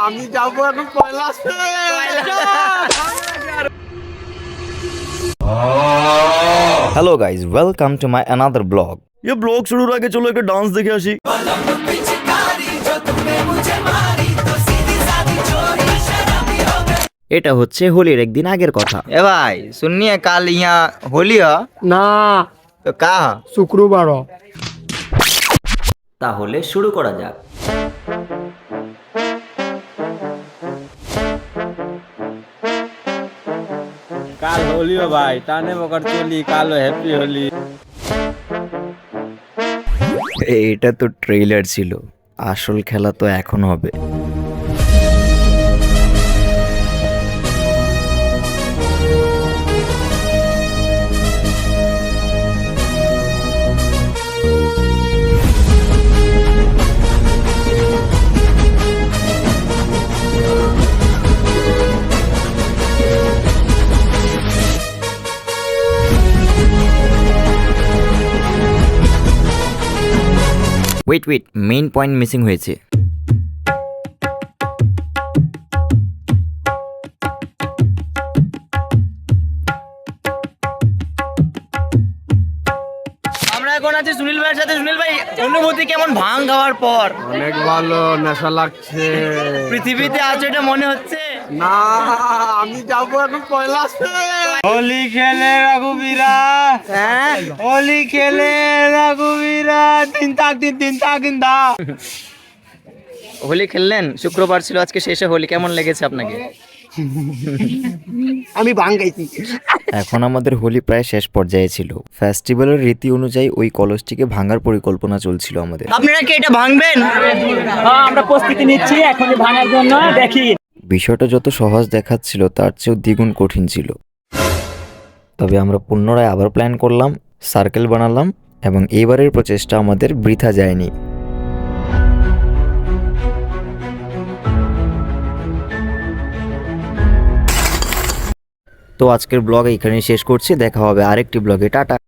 আমি যাবো এখন কৈলাসে। Hello guys, welcome to my another blog. ये ब्लॉग शुरू आगे चलो एक डांस देखे आशी। এটা হচ্ছে হোলির একদিন আগের কথা। এ ভাই सुनिए कल यहाँ होली है না, तो का শুক্রবার। তাহলে শুরু করা যাক। কাল হোলি हो भाई, टाने मकर चोली कालो हैप्पी होली। এটা তো ট্রেইলার ছিল, আসল খেলা তো এখন হবে। ওয়েট, মেইন পয়েন্ট মিসিং হয়েছে। আমরা এখন আছি সুনীল ভাইয়ের সাথে। সুনীল ভাই, অনুভূতি কেমন ভাঙ খাওয়ার পর? অনেক ভালো, নেশা লাগছে। পৃথিবীতে আছো এটা মনে হচ্ছে? না, আমি যাবো এখন কৈলাসে। হোলি খেলে রঘুবীরা, হ্যাঁ, হোলি খেলে রঘুবীরা, তিন তাক দিন দা। হোলি খেললেন, শুক্রবার ছিল আজকে শেষে হোলি, কেমন লেগেছে আপনাকে? আমি ভাঙ গাইছি। এখন আমাদের হোলি প্রায় শেষ পর্যায়ে ছিল। ফেস্টিভ্যালের রীতি অনুযায়ী ওই কলসটিকে ভাঙার পরিকল্পনা চলছিল আমাদের। আপনারা কি এটা ভাঙবেন? আমরা প্রস্তুতি নিচ্ছি এখনই ভাঙার জন্য। দেখি বিষয়টা যত সহজ দেখাচ্ছিল তার চেয়েও দ্বিগুণ কঠিন ছিল। তবে আমরা পুনরায় আবার প্ল্যান করলাম, সার্কেল বানালাম এবং এইবারের প্রচেষ্টা আমাদের বৃথা যায়নি। তো আজকের ব্লগ এখানেই শেষ করছি, দেখা হবে আরেকটি ব্লগে। টাটা।